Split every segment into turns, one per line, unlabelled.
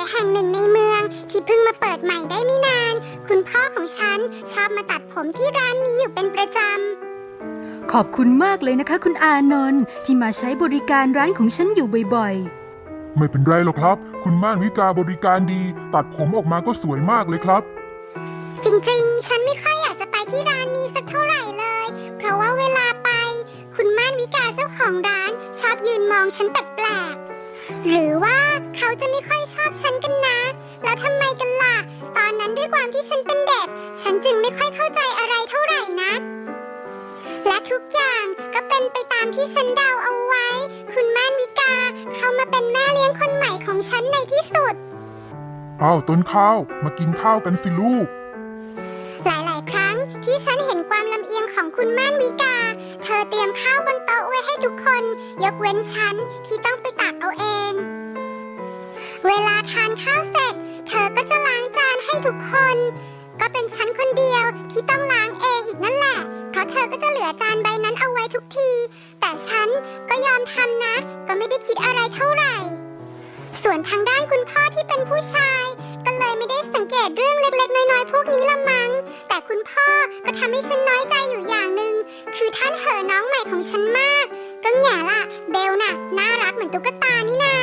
แห่งหนึ่งในเมืองที่เพิ่งมาเปิดใหม่ได้ไม่นานคุณพ่อของฉันชอบมาตัดผมที่ร้านนี้อยู่เป็นประจ
ขอบคุณมากเลยนะคะคุณอานนท์ที่มาใช้บริการร้านของฉันอยู่บ่อย
ไม่เป็นไรหรอกครับคุณม่านวิกาบริการดีตัดผมออกมาก็สวยมากเลยครับ
ๆจริงๆฉันไม่ค่อยอยากจะไปที่ร้านนี้สักเท่าไหร่เลยเพราะว่าเวลาไปคุณม่านวิกาเจ้าของร้านชอบยืนมองฉันแปลกๆหรือว่าเขาจะไม่ค่อยชอบฉันกันนะแล้วทำไมกันล่ะตอนนั้นด้วยความที่ฉันเป็นเด็กฉันจึงไม่ค่อยเข้าใจอะไรเท่าไหร่นะและทุกอย่างก็เป็นไปตามที่ฉันเดาเอาไว้คุณม่านวิกาเข้ามาเป็นแม่เลี้ยงคนใหม่ของฉันในที่สุด
อ้าวต้นข้าวมากินข้าวกันสิลูก
หลายๆครั้งที่ฉันเห็นความลำเอียงของคุณม่านวิกาเธอเตรียมข้าวบนโต๊ะไว้ให้ทุกคนยกเว้นฉันที่ต้องไปตักเอาเองเวลาทานข้าวเสร็จเธอก็จะล้างจานให้ทุกคนก็เป็นฉันคนเดียวที่ต้องล้างเองอีกนั่นแหละเพราะเธอก็จะเหลือจานใบนั้นเอาไว้ทุกทีแต่ฉันก็ยอมทำนะก็ไม่ได้คิดอะไรเท่าไหร่ส่วนทางด้านคุณพ่อที่เป็นผู้ชายก็เลยไม่ได้สังเกตเรื่องเล็กๆน้อยๆพวกนี้ละมั้งแต่คุณพ่อก็ทำให้ฉันน้อยใจอยู่อย่างหนึ่งคือท่านเห่อน้องใหม่ของฉันมากก็แง่ล่ะเบลน่ะน่ารักเหมือนตุ๊กตานี่นา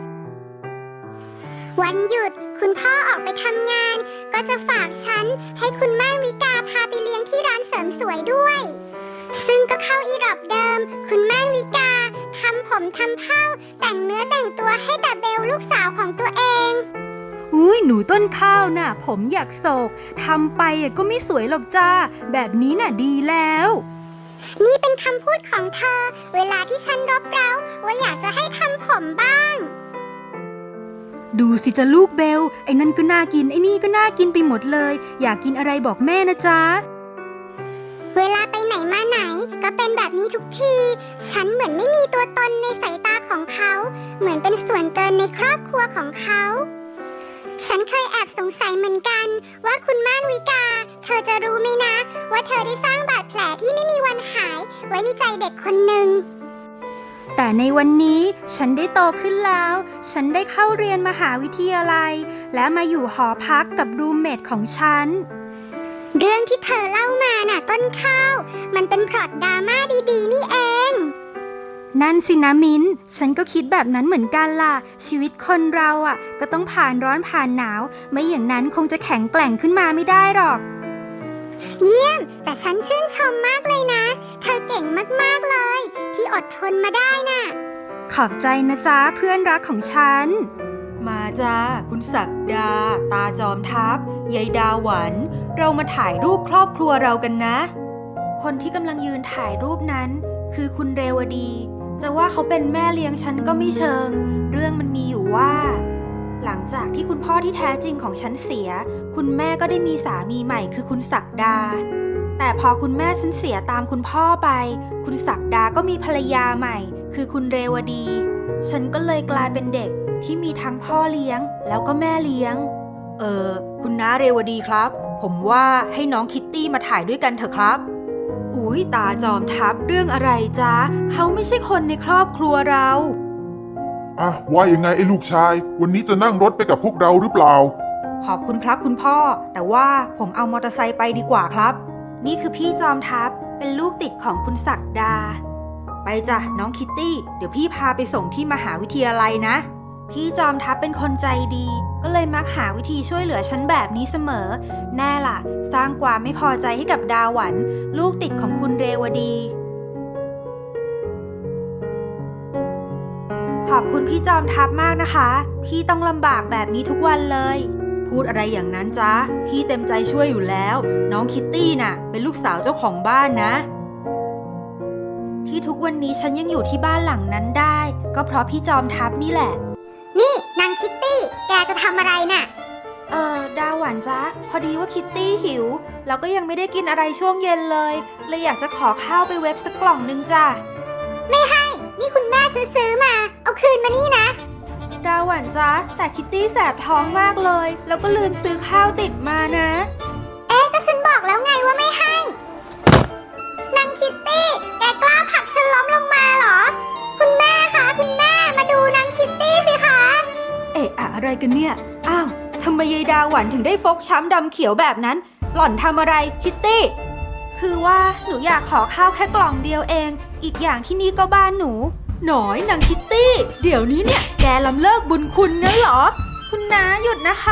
วันหยุดคุณพ่อออกไปทำงานก็จะฝากฉันให้คุณม่านวิกาพาไปเลี้ยงที่ร้านเสริมสวยด้วยซึ่งก็เข้าอีรอบเดิมคุณม่านวิกาทำผมทำเผ้าแต่งเนื้อแต่งตัวให้แต่เบลลูกสาวของตัวเอง
อุ้ยหนูต้นข้าวน่ะผมอยากโศกทำไปก็ไม่สวยหรอกจ้าแบบนี้น่ะดีแล้ว
นี่เป็นคำพูดของเธอเวลาที่ฉันรบเร้าว่าอยากจะให้ทำผมบ้าง
ดูสิจะลูกเบลไอ้นั่นก็น่ากินไอ้นี่ก็น่ากินไปหมดเลยอยากกินอะไรบอกแม่นะจ๊ะ
เวลาไปไหนมาไหนก็เป็นแบบนี้ทุกทีฉันเหมือนไม่มีตัวตนในสายตาของเขาเหมือนเป็นส่วนเกินในครอบครัวของเขาฉันเคยแอบสงสัยเหมือนกันว่าคุณม่านวิกาเธอจะรู้ไหมนะว่าเธอได้สร้างบาดแผลที่ไม่มีวันหายไว้ในใจเด็กคนหนึ่ง
แต่ในวันนี้ฉันได้โตขึ้นแล้วฉันได้เข้าเรียนมหาวิทยาลัยและมาอยู่หอพักกับรูมเมทของฉัน
เรื่องที่เธอเล่ามาน่ะต้นข้าวมันเป็นพล็อตดราม่าดีๆนี่เอง
นั่นสินะมิ้นฉันก็คิดแบบนั้นเหมือนกันล่ะชีวิตคนเราก็ต้องผ่านร้อนผ่านหนาวไม่อย่างนั้นคงจะแข็งแกร่งขึ้นมาไม่ได้หรอก
เยี่ยมแต่ฉันชื่นชมมากเลยนะเธอเก่งมากๆเลยที่อดทนมาได้น่ะ
ขอบใจนะจ๊ะเพื่อนรักของฉันมาจ้าคุณศักดาตาจอมทัพยายดาหวันเรามาถ่ายรูปครอบครัวเรากันนะคนที่กำลังยืนถ่ายรูปนั้นคือคุณเรวดีจะว่าเขาเป็นแม่เลี้ยงฉันก็ไม่เชิงเรื่องมันมีอยู่ว่าหลังจากที่คุณพ่อที่แท้จริงของฉันเสียคุณแม่ก็ได้มีสามีใหม่คือคุณศักดาแต่พอคุณแม่ฉันเสียตามคุณพ่อไปคุณศักดาก็มีภรรยาใหม่คือคุณเรวดีฉันก็เลยกลายเป็นเด็กที่มีทั้งพ่อเลี้ยงแล้วก็แม่เลี้ยงคุณน้าเรวดีครับผมว่าให้น้องคิตตี้มาถ่ายด้วยกันเถอะครับอุ๊ยตาจอมทัพเรื่องอะไรจ๊ะเขาไม่ใช่คนในครอบครัวเรา
ว่ายังไงไอ้ลูกชายวันนี้จะนั่งรถไปกับพวกเราหรือเปล่า
ขอบคุณครับคุณพ่อแต่ว่าผมเอามอเตอร์ไซค์ไปดีกว่าครับนี่คือพี่จอมทัพเป็นลูกติดของคุณศักดาไปจ้ะน้องคิตตี้เดี๋ยวพี่พาไปส่งที่มหาวิทยาลัยนะพี่จอมทัพเป็นคนใจดีก็เลยมักหาวิธีช่วยเหลือฉันแบบนี้เสมอแน่ล่ะสร้างความไม่พอใจให้กับดาหวันลูกติดของคุณเรวดีขอบคุณพี่จอมทัพมากนะคะพี่ต้องลำบากแบบนี้ทุกวันเลยพูดอะไรอย่างนั้นจ๊ะพี่เต็มใจช่วยอยู่แล้วน้องคิตตี้น่ะเป็นลูกสาวเจ้าของบ้านนะที่ทุกวันนี้ฉันยังอยู่ที่บ้านหลังนั้นได้ก็เพราะพี่จอมทัพนี่แหละ
นี่นางคิตตี้แกจะทำอะไรน่ะ
ดาหวานจ๊ะพอดีว่าคิตตี้หิวแล้วก็ยังไม่ได้กินอะไรช่วงเย็นเลยอยากจะขอข้าวไปเว็บสักกล่องนึงจ้ะ
ไม่ให้นี่คุณแม่ซื้อมาเอาคืนมานี่นะ
ดาหวานจ๊ะแต่คิตตี้แสบท้องมากเลยแล้วก็ลืมซื้อข้าวติดมานะ
ก็ฉันบอกแล้วไงว่าไม่ให้นางคิตตี้แกกล้าผลักฉันล้มลงมาเหรอคุณแม่คะคุณแม่มาดูนางคิตตี้สิคะ
อะไรกันเนี่ยไมยายดาหวันถึงได้ฟกช้ำดำเขียวแบบนั้น หล่อนทำอะไรคิตตี้คือว่าหนูอยากขอข้าวแค่กล่องเดียวเองอีกอย่างที่นี่ก็บ้านหนูหน่อยนางคิตตี้เดี๋ยวนี้เนี่ยแกล้ำเลิกบุญคุณงั้นเหรอคุณน้าหยุดนะคะ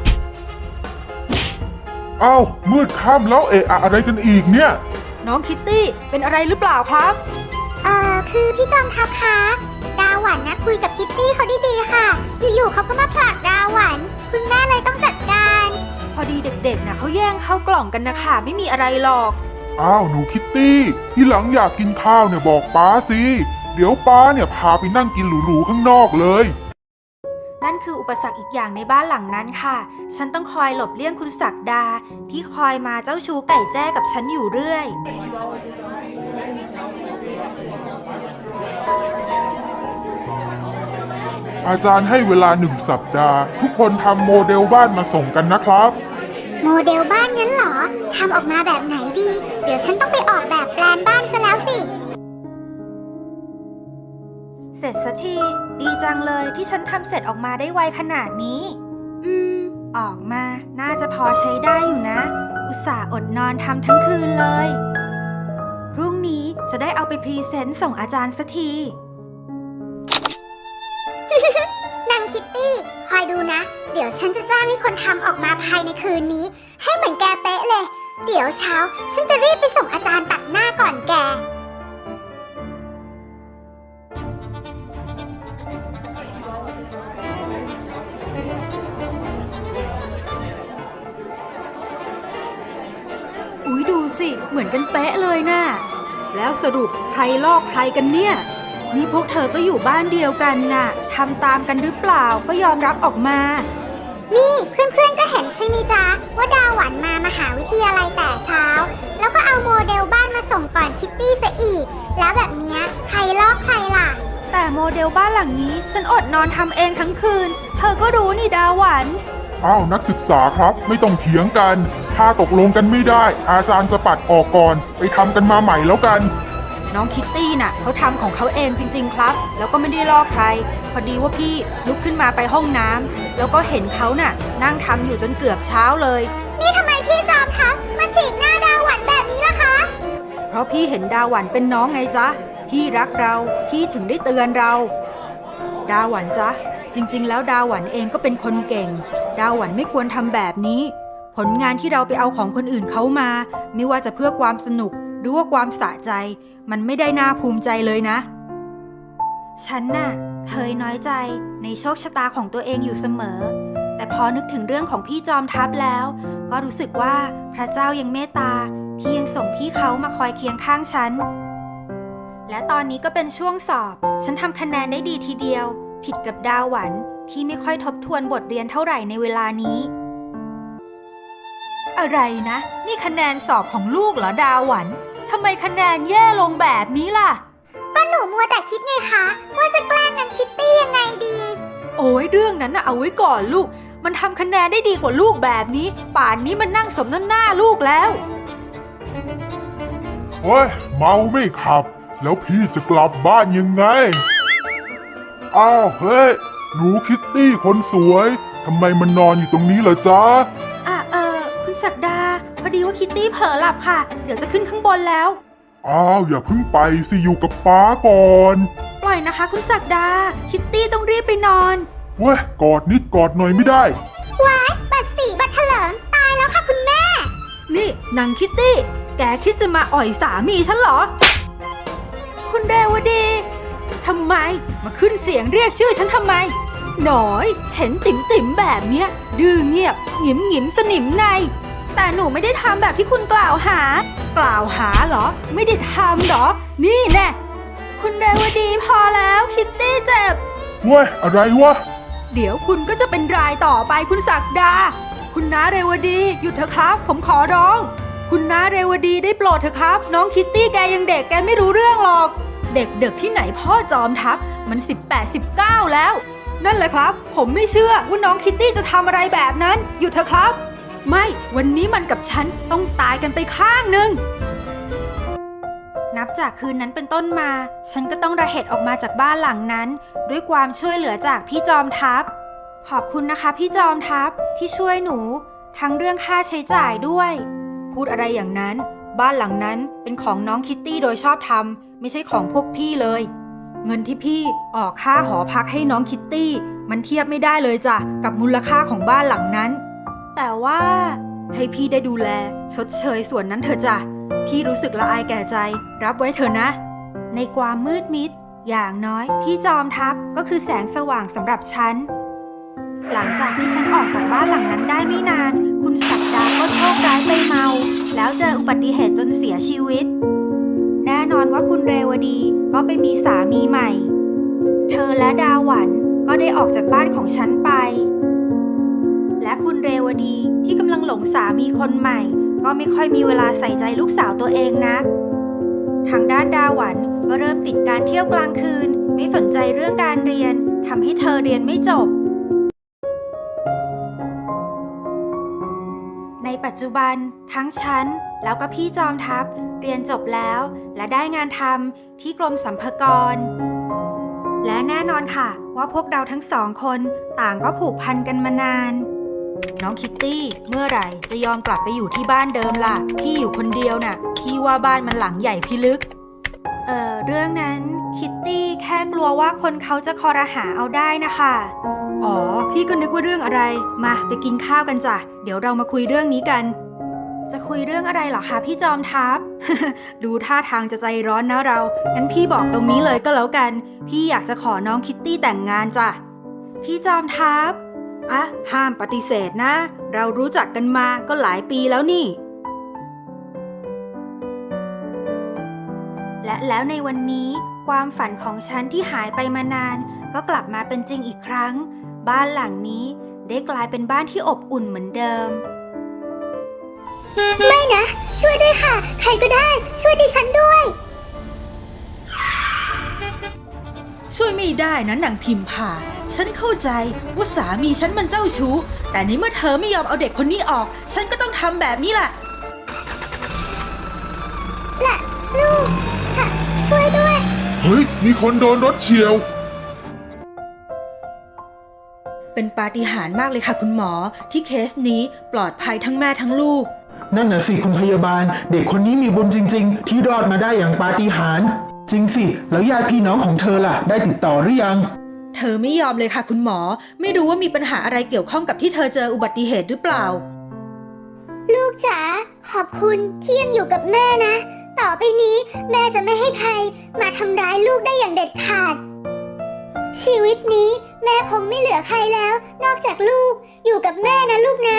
อ้าวมืดค่ำแล้วเอะอะอะไรกันอีกเนี่ย
น้องคิตตี้เป็นอะไรหรือเปล่าครับ
คือพี่จอมทัพคะดาหวันนะคุยกับคิตตี้เขาดีๆค่ะ อยู่ๆเขาก็มาผลักดาหวัน คุณแม่เลยต้องจัดการ
พอดีเด็กๆนะเขาแย่งข้าวกล่องกันนะคะไม่มีอะไรหรอก
อ้าวหนูคิตตี้ที่หลังอยากกินข้าวเนี่ยบอกป้าสิเดี๋ยวป้าเนี่ยพาไปนั่งกินหรูๆข้างนอกเลย
นั่นคืออุปสรรคอีกอย่างในบ้านหลังนั้นค่ะ ฉันต้องคอยหลบเลี่ยงคุณศักดาที่คอยมาเจ้าชู้ไก่แจ้กับฉันอยู่เรื่อย
อาจารย์ให้เวลา1 สัปดาห์ ทุกคนทำโมเดลบ้านมาส่งกันนะครับ
โมเดลบ้านงั้นเหรอ ทำออกมาแบบไหนดี เดี๋ยวฉันต้องไปออกแบบแปลนบ้านซะแล้วสิ
เสร็จสักทีดีจังเลยที่ฉันทำเสร็จออกมาได้ไวขนาดนี้ ออกมาน่าจะพอใช้ได้อยู่นะ อุตส่าห์อดนอนทำทั้งคืนเลย พรุ่งนี้จะได้เอาไปพรีเซนต์ส่งอาจารย์สักที
นางคิตตี้ คอยดูนะ เดี๋ยวฉันจะจ้างให้คนทำออกมาภายในคืนนี้ ให้เหมือนแกเป๊ะเลย เดี๋ยวเช้า ฉันจะรีบไปส่งอาจารย์ตัดหน้าก่อนแก
อุ๊ยดูสิเหมือนกันเป๊ะเลยน่ะแล้วสรุปใครลอกใครกันเนี่ยนี่พวกเธอก็อยู่บ้านเดียวกันน่ะทำตามกันหรือเปล่าก็ยอมรับออกมา
นี่เพื่อนๆก็เห็นใช่ไหมจ๊ะ ว่าดาหวันมามหาวิทยาลัยแต่เช้า แล้วก็เอาโมเดลบ้านมาส่งก่อนคิตตี้ซะอีก แล้วแบบเนี้ยใครลอกใครล่ะ
แต่โมเดลบ้านหลังนี้ฉันอดนอนทำเองทั้งคืนเธอก็รู้นี่ดาหวัน
อ้าวนักศึกษาครับไม่ต้องเถียงกัน ถ้าตกลงกันไม่ได้ อาจารย์จะปัดออกก่อน ไปทำกันมาใหม่แล้วกัน
น้องคิตตี้น่ะเขาทำของเขาเองจริงๆครับแล้วก็ไม่ได้ลอกใครพอดีว่าพี่ลุกขึ้นมาไปห้องน้ำแล้วก็เห็นเขาน่ะนั่งทำอยู่จนเกือบเช้าเลย
นี่ทำไมพี่จอมทัพมาฉีกหน้าดาหวันแบบนี้ล่ะคะ
เพราะพี่เห็นดาหวันเป็นน้องไงจ๊ะพี่รักเราพี่ถึงได้เตือนเรา ดาหวันจ๊ะจริงๆแล้วดาหวันเองก็เป็นคนเก่งดาหวันไม่ควรทำแบบนี้ผลงานที่เราไปเอาของคนอื่นเขามาไม่ว่าจะเพื่อความสนุกหรือว่าความสะใจมันไม่ได้น่าภูมิใจเลยนะฉันน่ะเคยน้อยใจในโชคชะตาของตัวเองอยู่เสมอแต่พอนึกถึงเรื่องของพี่จอมทัพแล้วก็รู้สึกว่าพระเจ้ายังเมตตาที่ยังส่งพี่เขามาคอยเคียงข้างฉันและตอนนี้ก็เป็นช่วงสอบฉันทำคะแนนได้ดีทีเดียวผิดกับดาหวันที่ไม่ค่อยทบทวนบทเรียนเท่าไหร่ในเวลานี้อะไรนะนี่คะแนนสอบของลูกเหรอดาหวันทำไมคะแนนแย่ลงแบบนี้ล่ะ
ก็หนูมัวแต่คิดไงคะ ว่าจะแกล้งนางคิตตี้ยังไงดี
โอ้ยเรื่องนั้นน่ะเอาไว้ก่อนลูกมันทำคะแนนได้ดีกว่าลูกแบบนี้ป่านนี้มันนั่งสมน้ำหน้าลูกแล้ว
โอ้ยเมาไม่ขับ แล้วพี่จะกลับบ้านยังไง อ้าวเฮ้ยหนูคิตตี้คนสวยทำไมมันนอนอยู่ตรงนี้เหรอจ๊ะ
คุณศักดาพอดีว่าคิตตี้เผลอหลับค่ะเดี๋ยวจะขึ้นข้างบนแล้ว
อ้าวอย่าเพิ่งไปสิอยู่กับป้าก่อน
ปล่อยนะคะคุณศักดาคิตตี้ต้องรีบไปนอน
เว้ยกอดนิดกอดหน่อยไม่ได้
ว้ายบัตรสีบัตรเถลิงตายแล้วค่ะคุณแม่
นี่นางคิตตี้แกคิดจะมาอ่อยสามีฉันเหรอคุณเรวดีทำไมมาขึ้นเสียงเรียกชื่อฉันทำไมหน่อยเห็นติ๋มแบบเนี้ยดื้อเงียบหงิมหงิมสนิมในแต่หนูไม่ได้ทำแบบที่คุณกล่าวหาเหรอไม่ได้ทำเหรอนี่แน่คุณเรวดีพอแล้วคิตตี้เจ็บ
เว้ยอะไรวะ
เดี๋ยวคุณก็จะเป็นรายต่อไปคุณศักดาคุณน้าเรวดีหยุดเถอะครับผมขอร้องคุณน้าเรวดีได้โปรดเถอะครับน้องคิตตี้แกยังเด็กแกไม่รู้เรื่องหรอกเด็กที่ไหนพ่อจอมทัพมัน18-19แล้วนั่นแหละครับผมไม่เชื่อว่าน้องคิตตี้จะทำอะไรแบบนั้นหยุดเถอะครับไม่วันนี้มันกับฉันต้องตายกันไปข้างหนึ่งนับจากคืนนั้นเป็นต้นมาฉันก็ต้องระเหตุออกมาจากบ้านหลังนั้นด้วยความช่วยเหลือจากพี่จอมทัพขอบคุณนะคะพี่จอมทัพที่ช่วยหนู ทั้งเรื่องค่าใช้จ่ายด้วย พูดอะไรอย่างนั้น บ้านหลังนั้นเป็นของน้องคิตตี้โดยชอบธรรมไม่ใช่ของพวกพี่เลย เงินที่พี่ออกค่าหอพักให้น้องคิตตี้มันเทียบไม่ได้เลยจ้ะกับมูลค่าของบ้านหลังนั้น แต่ว่าให้พี่ได้ดูแลชดเชยส่วนนั้นเถอะจ้ะพี่รู้สึกละอายแก่ใจรับไว้เถอะนะ ในความมืดมิดอย่างน้อยพี่จอมทัพก็คือแสงสว่างสำหรับฉัน หลังจากที่ฉันออกจากบ้านหลังนั้นได้ไม่นานคุณศักดาก็โชคร้ายไปเมาแล้วเจออุบัติเหตุจนเสียชีวิตแน่นอนว่าคุณเรวดีก็ไปมีสามีใหม่เธอและดาหวันก็ได้ออกจากบ้านของฉันไปและคุณเรวดีที่กำลังหลงสามีคนใหม่ก็ไม่ค่อยมีเวลาใส่ใจลูกสาวตัวเองนักทางด้านดาหวันก็เริ่มติดการเที่ยวกลางคืนไม่สนใจเรื่องการเรียนทำให้เธอเรียนไม่จบในปัจจุบันทั้งฉันแล้วก็พี่จอมทัพเรียนจบแล้วและได้งานทำที่กรมสรรพากรและแน่นอนค่ะว่าพวกเราทั้งสองคนต่างก็ผูกพันกันมานานน้องคิตตี้เมื่อไหร่จะยอมกลับไปอยู่ที่บ้านเดิมล่ะพี่อยู่คนเดียวน่ะพี่ว่าบ้านมันหลังใหญ่พิลึกเรื่องนั้นคิตตี้แค่กลัวว่าคนเขาจะคอรหาเอาได้นะคะอ๋อพี่ก็นึกว่าเรื่องอะไรมาไปกินข้าวกันจ้ะเดี๋ยวเรามาคุยเรื่องนี้กันจะคุยเรื่องอะไรเหรอคะพี่จอมทัพ ดูท่าทางจะใจร้อนนะเรางั้นพี่บอกตรงนี้เลยก็แล้วกันพี่อยากจะขอน้องคิตตี้แต่งงานจ้ะพี่จอมทัพอ่ะห้ามปฏิเสธนะเรารู้จักกันมาก็หลายปีแล้วนี่และแล้วในวันนี้ความฝันของฉันที่หายไปมานานก็กลับมาเป็นจริงอีกครั้งบ้านหลังนี้ได้กลายเป็นบ้านที่อบอุ่นเหมือนเดิม
ไม่นะ ช่วยด้วยค่ะ ใครก็ได้ช่วยดิฉันด้วย
ช่วยไม่ได้นะนางพิมพาฉันเข้าใจว่าสามีฉันมันเจ้าชู้แต่ในเมื่อเธอไม่ยอมเอาเด็กคนนี้ออกฉันก็ต้องทำแบบนี้แหละ
ลูกช่วยด้วย
เฮ้ย มีคนโดนรถเฉียว
เป็นปาฏิหาริย์มากเลยค่ะคุณหมอที่เคสนี้ปลอดภัยทั้งแม่ทั้งลูก
นั่นน่ะสิคุณพยาบาลเด็กคนนี้มีบุญจริงๆที่รอดมาได้อย่างปาฏิหาริย์จริงสิแล้วญาติพี่น้องของเธอล่ะได้ติดต่อหรือยัง
เธอไม่ยอมเลยค่ะคุณหมอไม่รู้ว่ามีปัญหาอะไรเกี่ยวข้องกับที่เธอเจออุบัติเหตุหรือเปล่า
ลูกจ๋าขอบคุณที่ยังอยู่กับแม่นะต่อไปนี้แม่จะไม่ให้ใครมาทำร้ายลูกได้อย่างเด็ดขาดชีวิตนี้แม่คงไม่เหลือใครแล้วนอกจากลูกอยู่กับแม่นะลูกนะ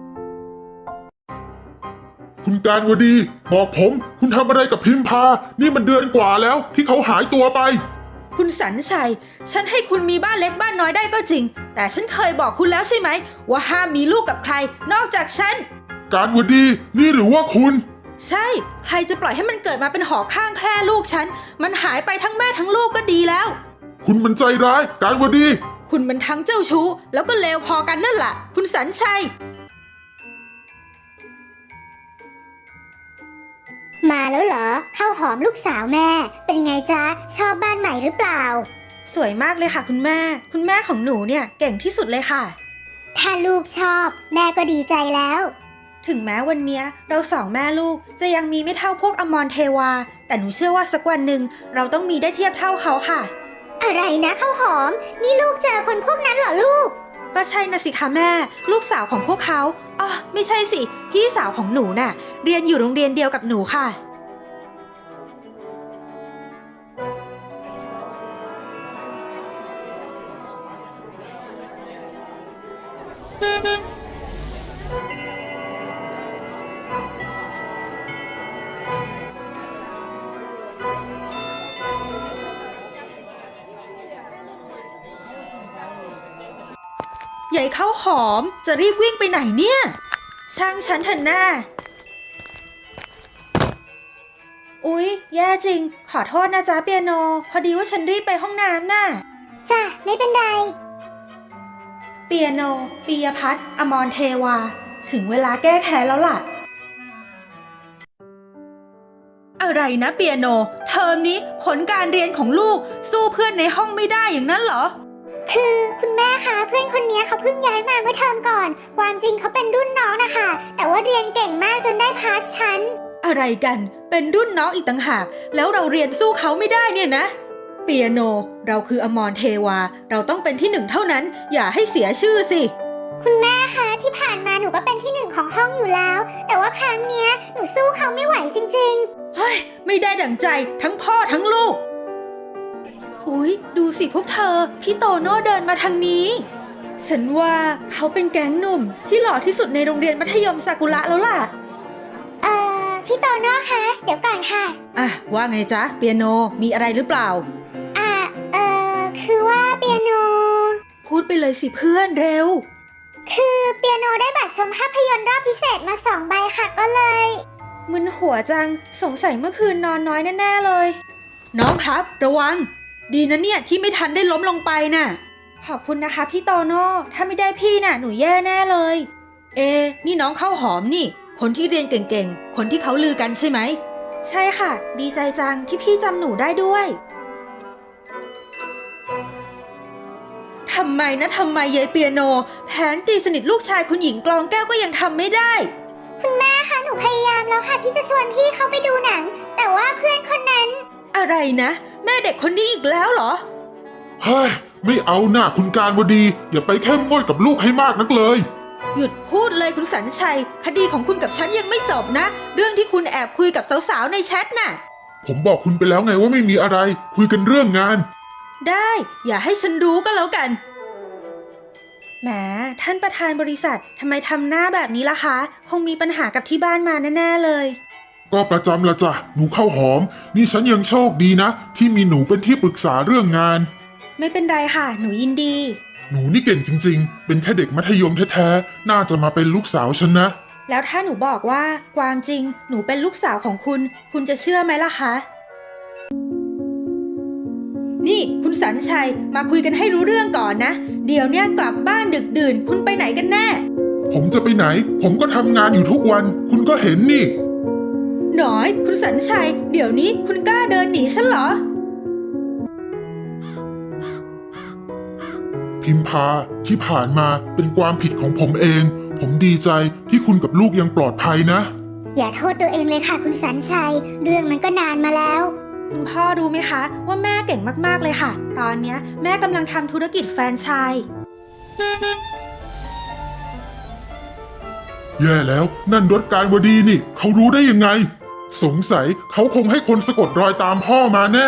คุณการวดีบอกผมคุณทำอะไรกับพิมพานี่มันเดือนกว่าแล้วที่เขาหายตัวไป
คุณสันชัยฉันให้คุณมีบ้านเล็กบ้านน้อยได้ก็จริงแต่ฉันเคยบอกคุณแล้วใช่ไหมว่าห้ามมีลูกกับใครนอกจากฉัน
การวดีนี่หรือว่าคุณ
ใช่ใครจะปล่อยให้มันเกิดมาเป็นหอข้างแคร่ลูกฉันมันหายไปทั้งแม่ทั้งลูกก็ดีแล้ว
คุณมันใจร้ายการวดี
คุณมันทั้งเจ้าชู้แล้วก็เลวพอกันนั่นแหละคุณสันชัย
มาแล้วเหรอข้าวหอมลูกสาวแม่เป็นไงจ๊ะชอบบ้านใหม่หรือเปล่า
สวยมากเลยค่ะคุณแม่ของหนูเนี่ยเก่งที่สุดเลยค่ะ
ถ้าลูกชอบแม่ก็ดีใจแล้ว
ถึงแม้วันนี้เราสองแม่ลูกจะยังมีไม่เท่าพวกอมรเทวาแต่หนูเชื่อว่าสักวันหนึ่งเราต้องมีได้เทียบเท่าเขาค่ะ
อะไรนะข้าวหอมนี่ลูกเจอคนพวกนั้นเหรอลูก
ก็ใช่นะสิคะแม่ลูกสาวของพวกเขาอ๋อไม่ใช่สิพี่สาวของหนูน่ะเรียนอยู่โรงเรียนเดียวกับหนูค่ะใหญ่ข้าวหอมจะรีบวิ่งไปไหนเนี่ยช่างฉันเถอะหน้าอุ๊ยแย่จริงขอโทษนะจ๊ะเปียโนพอดีว่าฉันรีบไปห้องน้ำน่ะ
จ้ะไม่เป็นไร
เปียโนปิยพัฒน์อมรเทวาถึงเวลาแก้แค้นแล้วล่ะอะไรนะเปียโนเทอมนี้ผลการเรียนของลูกสู้เพื่อนในห้องไม่ได้อย่างนั้นเหรอ
คือคุณแม่คะเพื่อนคนนี้เขาเพิ่งย้ายมาเมื่อเทอมก่อน ความจริงเขาเป็นรุ่นน้องนะคะ แต่ว่าเรียนเก่งมากจนได้พาสชั้น
อะไรกัน เป็นรุ่นน้องอีกต่างหาก แล้วเราเรียนสู้เขาไม่ได้เนี่ยนะ เปียโน เราคืออมรเทวา เราต้องเป็นที่หนึ่งเท่านั้น อย่าให้เสียชื่อสิ
คุณแม่คะที่ผ่านมาหนูก็เป็นที่หนึ่งของห้องอยู่แล้ว แต่ว่าครั้งเนี้ยหนูสู้เขาไม่ไหวจริง
เฮ้ย ไม่ได้ดั่งใจทั้งพ่อทั้งลูก อุ๊ย ดูสิพวกเธอ พี่โตโน่เดินมาทางนี้ ฉันว่าเขาเป็นแก๊งหนุ่มที่หล่อที่สุดในโรงเรียนมัธยมซากุระแล้วล่ะ
ๆพี่โตโน่คะเดี๋ยวก่อนค่ะ
อ่ะ ว่าไงจ๊ะ เปียโน มีอะไรหรือเปล่า
คือว่าเปียโน
พูดไปเลยสิเพื่อนเร็ว
คือเปียโนได้บัตรชมภาพยนตร์รอบพิเศษมา2 ใบค่ะก็เลย
มึนหัวจัง สงสัยเมื่อคืนนอนน้อยแน่ๆเลย น้องครับ ระวัง ดีนะเนี่ยที่ไม่ทันได้ล้มลงไปน่ะ ขอบคุณนะคะพี่โตโน่ ถ้าไม่ได้พี่น่ะหนูแย่แน่เลย นี่น้องข้าวหอมนี่ คนที่เรียนเก่งๆ คนที่เขาลือกันใช่ไหม ใช่ค่ะ ดีใจจังที่พี่จำหนูได้ด้วย ทำไมยายเปียโน แผนตีสนิทลูกชายคุณหญิงกลองแก้วก็ยังทำไม่ได้
คุณแม่คะหนูพยายามแล้วค่ะที่จะชวนพี่เขาไปดูหนัง แต่ว่าเพื่อนคนนั้น
อะไรนะ แม่เด็กคนนี้อีกแล้วเหรอ
เฮ้ย ไม่เอาหน้าคุณการวดี อย่าไปเข้มงวดกับลูกให้มากนักเลย
หยุดพูดเลยคุณสันชัย คดีของคุณกับฉันยังไม่จบนะ เรื่องที่คุณแอบคุยกับสาวๆในแชทน่ะ
ผมบอกคุณไปแล้วไงว่าไม่มีอะไร คุยกันเรื่องงาน
ได้อย่าให้ฉันรู้ก็แล้วกัน แหมท่านประธานบริษัททำไมทำหน้าแบบนี้ล่ะคะ คงมีปัญหากับที่บ้านมาแน่ๆเลย
ก็ประจำละจ้ะ หนูข้าวหอม นี่ฉันยังโชคดีนะ ที่มีหนูเป็นที่ปรึกษาเรื่องงาน
ไม่เป็นไรค่ะ หนูยินดี
หนูนี่เก่งจริงๆ เป็นแค่เด็กมัธยมแท้ๆ น่าจะมาเป็นลูกสาวฉันนะ
แล้วถ้าหนูบอกว่าความจริงหนูเป็นลูกสาวของคุณ คุณจะเชื่อไหมล่ะคะ นี่คุณสันชัยมาคุยกันให้รู้เรื่องก่อนนะ เดี๋ยวเนี้ยกลับบ้านดึกดื่นคุณไปไหนกันแน่
ผมจะไปไหน ผมก็ทำงานอยู่ทุกวัน คุณก็เห็นนี่
หน่อยคุณสันชัย เดี๋ยวนี้คุณกล้าเดินหนีฉันเหรอ
พิมพาที่ผ่านมาเป็นความผิดของผมเอง ผมดีใจที่คุณกับลูกยังปลอดภัยนะ
อย่าโทษตัวเองเลยค่ะคุณสันชัย เรื่องมันก็นานมาแล้ว
คุณพ่อรู้ไหมคะ ว่าแม่เก่งมากๆเลยค่ะ ตอนเนี้ยแม่กำลังทำธุรกิจแฟรนไชส์
แย่แล้วนั่นรถการวดีนี่ เขารู้ได้ยังไง สงสัยเขาคงให้คนสะกดรอยตามพ่อมาแน่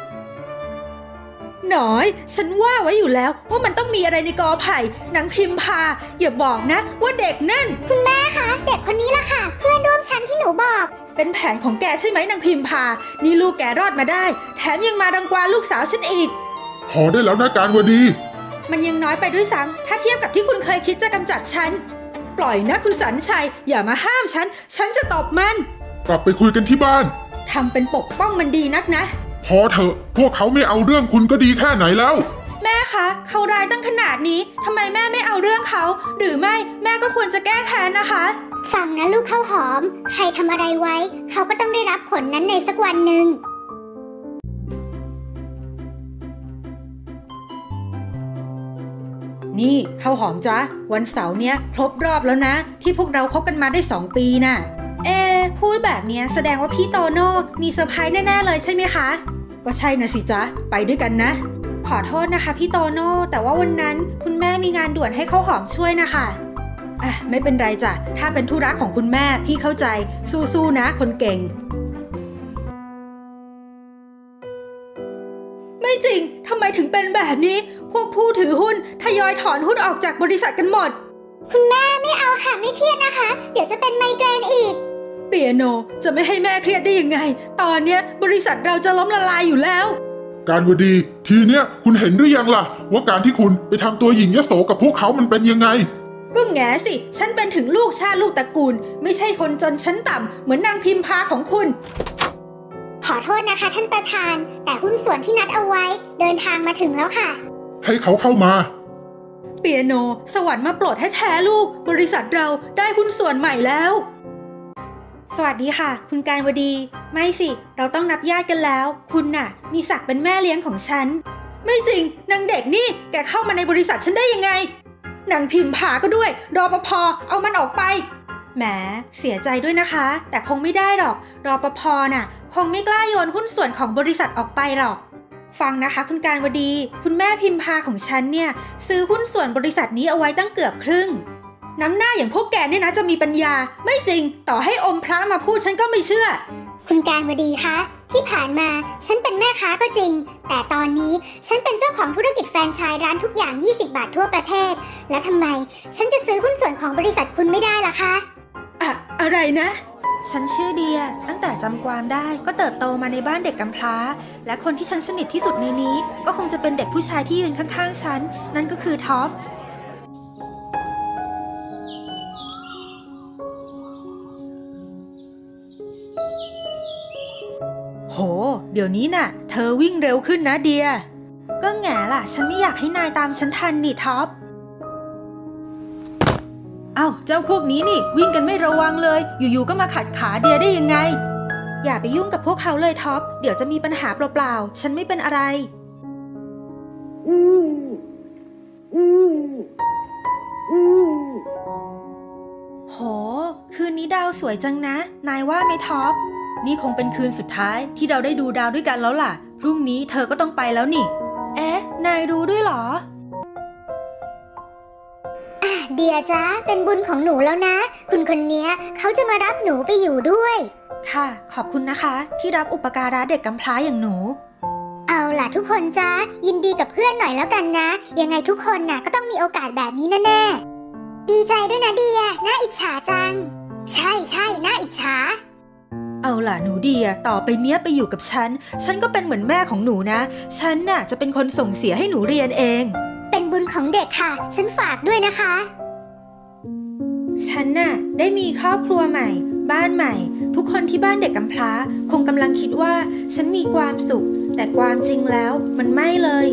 หน่อย ฉันว่าไว้อยู่แล้วว่ามันต้องมีอะไรในกอไผ่นางพิมพา อย่าบอกนะว่าเด็กนั่น
คุณแม่คะเด็กคนนี้ล่ะค่ะ เพื่อนร่วมชั้นที่หนูบอก
เป็นแผนของแกใช่ไหมนางพิมพา นี่ลูกแกรอดมาได้ แถมยังมารังควานลูกสาวฉันอีก
พอได้แล้วนะการวดี
มันยังน้อยไปด้วยซ้ำถ้าเทียบกับที่คุณเคยคิดจะกำจัดฉัน ปล่อยนะคุณสันชัย อย่ามาห้ามฉัน ฉันจะตบมัน
กลับไปคุยกันที่บ้าน
ทำเป็นปกป้องมันดีนักนะ
พอเถอะ พวกเขาไม่เอาเรื่องคุณก็ดีแค่ไหนแล้ว
แม่คะเขาร้ายตั้งขนาดนี้ทำไมแม่ไม่เอาเรื่องเขา หรือไม่แม่ก็ควรจะแก้แค้นนะคะ
ฟังนะลูกข้าวหอม ใครทำอะไรไว้ เขาก็ต้องได้รับผลนั้นในสักวันหนึ่ง
นี่ข้าวหอมจ๊ะวันเสาร์เนี้ยครบรอบแล้วนะ ที่พวกเราคบกันมาได้2 ปีน่ะ พูดแบบเนี้ยแสดงว่าพี่โตโน่มีเซอร์ไพรส์แน่ๆเลยใช่ไหมคะ ก็ใช่นะสิจ๊ะไปด้วยกันนะ ขอโทษนะคะพี่โตโน่แต่ว่าวันนั้นคุณแม่มีงานด่วนให้ข้าวหอมช่วยนะคะไม่เป็นไรจ้ะถ้าเป็นธุระของคุณแม่พี่เข้าใจสู้ๆนะคนเก่ง ไม่จริงทำไมถึงเป็นแบบนี้ พวกผู้ถือหุ้นทยอยถอนหุ้นออกจากบริษัทกันหมด
คุณแม่ไม่เอาค่ะไม่เครียดนะคะ เดี๋ยวจะเป็นไมเกรนอีก
เปียโนจะไม่ให้แม่เครียดได้ยังไง ตอนเนี้ยบริษัทเราจะล้มละลายอยู่แล้ว
การวดี ทีเนี้ยคุณเห็นหรือยังล่ะ ว่าการที่คุณไปทำตัวหญิงยโสกับพวกเขามันเป็นยังไง
ก็แง่สิฉันเป็นถึงลูกชาติลูกตระกูล ไม่ใช่คนจนชั้นต่ำเหมือนนางพิมพาของคุณ
ขอโทษนะคะท่านประธาน แต่หุ้นส่วนที่นัดเอาไว้เดินทางมาถึงแล้วค่ะ
ให้เขาเข้ามา
เปียโนสวรรค์มาโปรดแท้ๆลูกบริษัทเราได้หุ้นส่วนใหม่แล้ว สวัสดีค่ะ คุณการวดี ไม่สิเราต้องนับญาติกันแล้ว คุณน่ะมีศักดิ์เป็นแม่เลี้ยงของฉันไม่จริงนางเด็กนี่แกเข้ามาในบริษัทฉันได้ยังไงนางพิมพาก็ด้วยรปภเอามันออกไปแหมเสียใจด้วยนะคะแต่คงไม่ได้หรอกรปภน่ะคงไม่กล้าโยนหุ้นส่วนของบริษัทออกไปหรอกฟังนะคะคุณการวดีคุณแม่พิมพาของฉันเนี่ยซื้อหุ้นส่วนบริษัทนี้เอาไว้ตั้งเกือบครึ่งน้ำหน้าอย่างพวกแกเนี่ยนะจะมีปัญญาไม่จริงต่อให้อมพระมาพูดฉันก็ไม่เชื่อ
คุณการวดีคะที่ผ่านมาฉันเป็นแม่ค้าก็จริงแต่ตอนนี้ฉันเป็นเจ้าของธุรกิจแฟรนไชส์ร้านทุกอย่าง20 บาททั่วประเทศแล้วทำไมฉันจะซื้อหุ้นส่วนของบริษัทคุณไม่ได้ล่ะคะ
อะไรนะฉันชื่อเดียตั้งแต่จำความได้ก็เติบโตมาในบ้านเด็กกำพร้าและคนที่ฉันสนิทที่สุดในนี้ก็คงจะเป็นเด็กผู้ชายที่ยืนข้างๆฉันนั่นก็คือท็อปโหเดี๋ยวนี้น่ะเธอวิ่งเร็วขึ้นนะเดียก็แง่ล่ะฉันไม่อยากให้นายตามฉันทันนี่ท็อปเอ้าเจ้าพวกนี้นี่วิ่งกันไม่ระวังเลยอยู่ๆก็มาขัดขาเดียได้ยังไงอย่าไปยุ่งกับพวกเขาเลยท็อปเดี๋ยวจะมีปัญหาเปล่าๆฉันไม่เป็นอะไรโหคืนนี้ดาวสวยจังนะนายว่าไหมท็อปนี่คงเป็นคืนสุดท้ายที่เราได้ดูดาวด้วยกันแล้วล่ะพรุ่งนี้เธอก็ต้องไปแล้วนี่เอ๊ะนายรู้ด้วยเหรอ
เดียจ้าเป็นบุญของหนูแล้วนะคุณคนนี้เขาจะมารับหนูไปอยู่ด้วย
ค่ะขอบคุณนะคะที่รับอุปการะเด็กกำพร้าอย่างหนู
เอาล่ะทุกคนจ้ายินดีกับเพื่อนหน่อยแล้วกันนะยังไงทุกคนน่ะก็ต้องมีโอกาสแบบนี้แน่ๆดีใจด้วยนะเดียน่าอิจฉาจังใช่น่าอิจฉา
เอาล่ะหนูเดียต่อไปเนี้ยไปอยู่กับฉันก็เป็นเหมือนแม่ของหนูนะฉันน่ะจะเป็นคนส่งเสียให้หนูเรียนเอง
เป็นบุญของเด็กค่ะฉันฝากด้วยนะคะ
ฉันน่ะได้มีครอบครัวใหม่บ้านใหม่ทุกคนที่บ้านเด็กกำพร้าคงกำลังคิดว่าฉันมีความสุขแต่ความจริงแล้วมันไม่เลย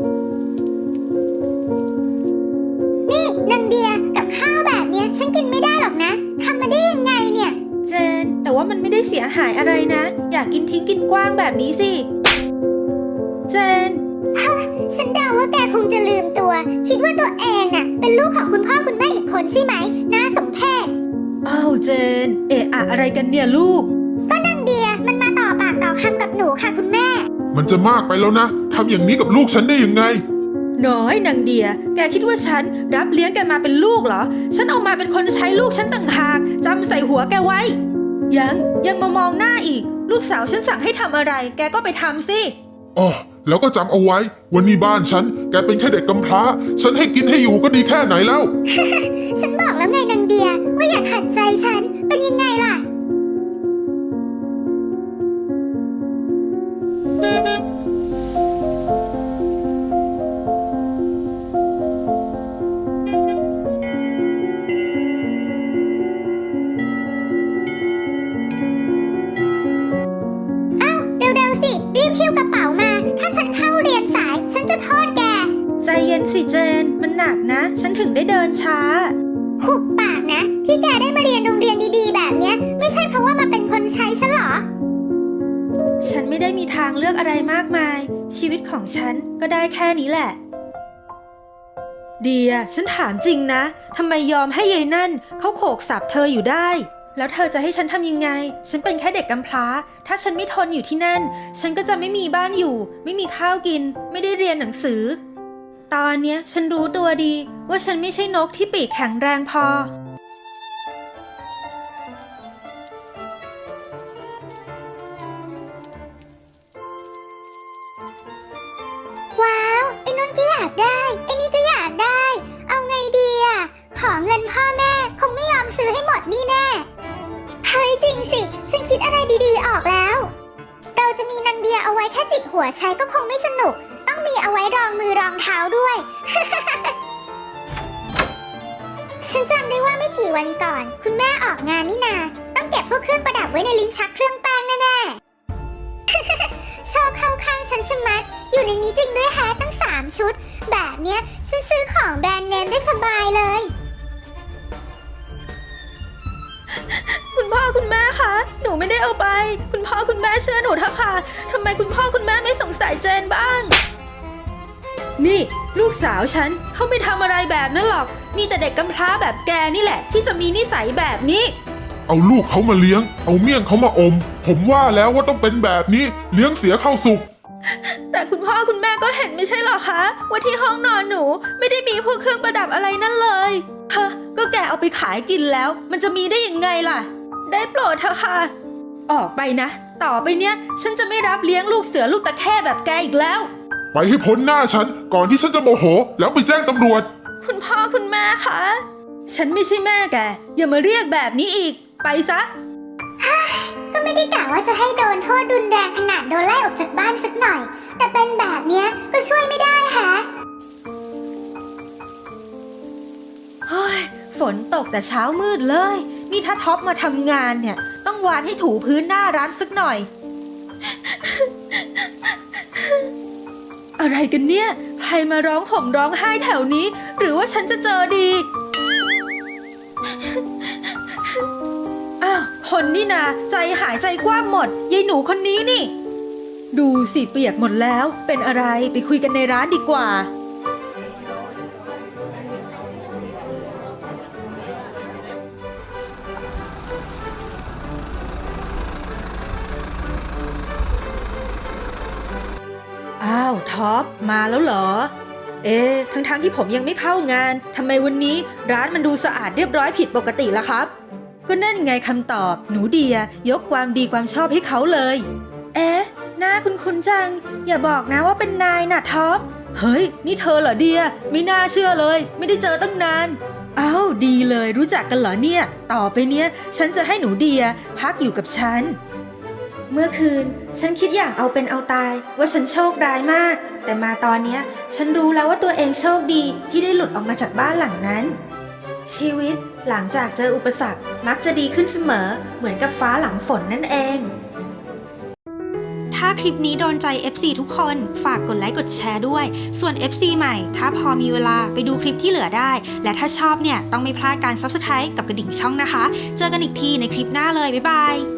นี่นางเดียกับข้าวแบบเนี้ยฉันกินไม่ได้หรอกนะทำมาได้ยังไงเนี่ย
เจนแต่ว่ามันไม่ได้เสียหายอะไรนะอยากกินทิ้งกินกว้างแบบนี้สิเจน
ฉันเดาว่าแกคงจะลืมตัวคิดว่าตัวเองน่ะเป็นลูกของคุณพ่อคุณแม่อีกคนใช่ไหมน่าสมเพช
อ้าวเจนอะไรกันเนี่ยลูก
ก็นางเดียมันมาต่อปากต่อคำกับหนูค่ะคุณแม่
มันจะมากไปแล้วนะทำอย่างนี้กับลูกฉันได้ยังไง
น้อยนางเดียแกคิดว่าฉันรับเลี้ยงแกมาเป็นลูกเหรอฉันเอามาเป็นคนใช้ลูกฉันต่างหากจำใส่หัวแกไว้ยังมามองหน้าอีกลูกสาวฉันสั่งให้ทำอะไรแกก็ไปทำสิ
อ๋อแล้วก็จำเอาไว้วันนี้บ้านฉันแกเป็นแค่เด็กกำพร้าฉันให้กินให้อยู่ก็ดีแค่ไหนแล้ว
ฉันบอกแล้วไงนางเดียว่าอย่าขัดใจฉันเป็นยังไงล่ะ
สิเจนมันหนักนะฉันถึงได้เดินช้า
หุบปากนะที่แกได้มาเรียนโรงเรียนดีๆแบบเนี้ยไม่ใช่เพราะว่ามาเป็นคนใช้ฉันหรอ
ฉันไม่ได้มีทางเลือกอะไรมากมายชีวิตของฉันก็ได้แค่นี้แหละเดียฉันถามจริงนะทำไมยอมให้ยายนั่นเขาโขกสับเธออยู่ได้แล้วเธอจะให้ฉันทำยังไงฉันเป็นแค่เด็กกำพร้าถ้าฉันไม่ทนอยู่ที่นั่นฉันก็จะไม่มีบ้านอยู่ไม่มีข้าวกินไม่ได้เรียนหนังสือตอนเนี้ยฉันรู้ตัวดีว่าฉันไม่ใช่นกที่ปีกแข็งแรงพอ
ว้าวไอ้นนท์ก็อยากได้ไอ้นี่ก็อยากได้เอาไงดีอ่ะขอเงินพ่อแม่คงไม่ยอมซื้อให้หมดนี่แน่เฮ้ยจริงสิฉันคิดอะไรดีๆออกแล้วเราจะมีนางเดียเอาไว้แค่จิกหัวใช้ก็คงไม่สนุกต้องมีเอาไว้รองมือรองเท้าด้วย ฉันจำได้ว่าไม่กี่วันก่อนคุณแม่ออกงานนี่นาต้องเก็บพวกเครื่องประดับไว้ในลิ้นชักเครื่องแป้งแน่ๆ ชอบเข้าข้างฉันชะมัดอยู่ในนี้จริงด้วยแฮะตั้ง3 ชุดแบบเนี้ยฉันซื้อของแบรนด์เนมได้สบายเลย
คุณพ่อคุณแม่คะหนูไม่ได้เอาไปคุณพ่อคุณแม่เชื่อหนูเถอะค่ะทำไมคุณพ่อคุณแม่ไม่สงสัยเจนบ้างนี่ลูกสาวฉันเขาไม่ทำอะไรแบบนั้นหรอก มีแต่เด็กกำพร้าแบบแกนี่แหละ ที่จะมีนิสัยแบบนี้
เอาลูกเขามาเลี้ยง เอาเมี่ยงเขามาอม ผมว่าแล้วว่าต้องเป็นแบบนี้ เลี้ยงเสียเข้าสุก
แต่คุณพ่อคุณแม่ก็เห็นไม่ใช่หรอคะ ว่าที่ห้องนอนหนูไม่ได้มีพวกเครื่องประดับอะไรนั่นเลยฮะก็แกเอาไปขายกินแล้ว มันจะมีได้ยังไงล่ะ ได้โปรดเถอะค่ะ ออกไปนะ ต่อไปเนี้ยฉันจะไม่รับเลี้ยงลูกเสือลูกตะแค่แบบแกอีกแล้ว
ไปให้พ้นหน้าฉัน ก่อนที่ฉันจะโมโห แล้วไปแจ้งตำรวจ
คุณพ่อคุณแม่คะฉันไม่ใช่แม่แกอย่ามาเรียกแบบนี้อีก ไปซะ
ก็ไม่ได้กะว่าจะให้โดนโทษรุนแรงขนาดโดนไล่ออกจากบ้านสักหน่อย แต่เป็นแบบเนี้ยก็ช่วยไม่ได้แฮะ
เฮ้ยฝนตกแต่เช้ามืดเลย นี่ถ้าท็อปมาทำงานเนี่ย ต้องวานให้ถูพื้นหน้าร้านสักหน่อย อะไรกันเนี่ย ใครมาร้องห่มร้องไห้แถวนี้ หรือว่าฉันจะเจอดี อ้าว คนนี่นาใจหายใจกว้างหมดยายหนูคนนี้นี่ ดูสิเปียกหมดแล้ว เป็นอะไรไปคุยกันในร้านดีกว่า อ้าวท็อปมาแล้วเหรอ ทั้งที่ผมยังไม่เข้างานทำไมวันนี้ร้านมันดูสะอาดเรียบร้อยผิดปกติล่ะครับ ก็นั่นไงคำตอบหนูเดียยกความดีความชอบให้เขาเลย หน้าคุ้นๆจัง อย่าบอกนะว่าเป็นนายน่ะท็อป เฮ้ย นี่เธอเหรอเดียไม่น่าเชื่อเลย ไม่ได้เจอตั้งนาน อ้าวดีเลยรู้จักกันเหรอเนี่ย ต่อไปเนี้ยฉันจะให้หนูเดียพักอยู่กับฉัน เมื่อคืนฉันคิดอย่างเอาเป็นเอาตายว่าฉันโชคร้ายมาก แต่มาตอนเนี้ยฉันรู้แล้วว่าตัวเองโชคดีที่ได้หลุดออกมาจากบ้านหลังนั้น ชีวิตหลังจากเจออุปสรรคมักจะดีขึ้นเสมอเหมือนกับฟ้าหลังฝนนั่นเอง ถ้าคลิปนี้โดนใจ FC ทุกคนฝากกดไลค์กดแชร์ด้วยส่วน FC ใหม่ถ้าพอมีเวลาไปดูคลิปที่เหลือได้และถ้าชอบเนี่ยต้องไม่พลาดการ Subscribe กับกระดิ่งช่องนะคะเจอกันอีกทีในคลิปหน้าเลยบ๊ายบาย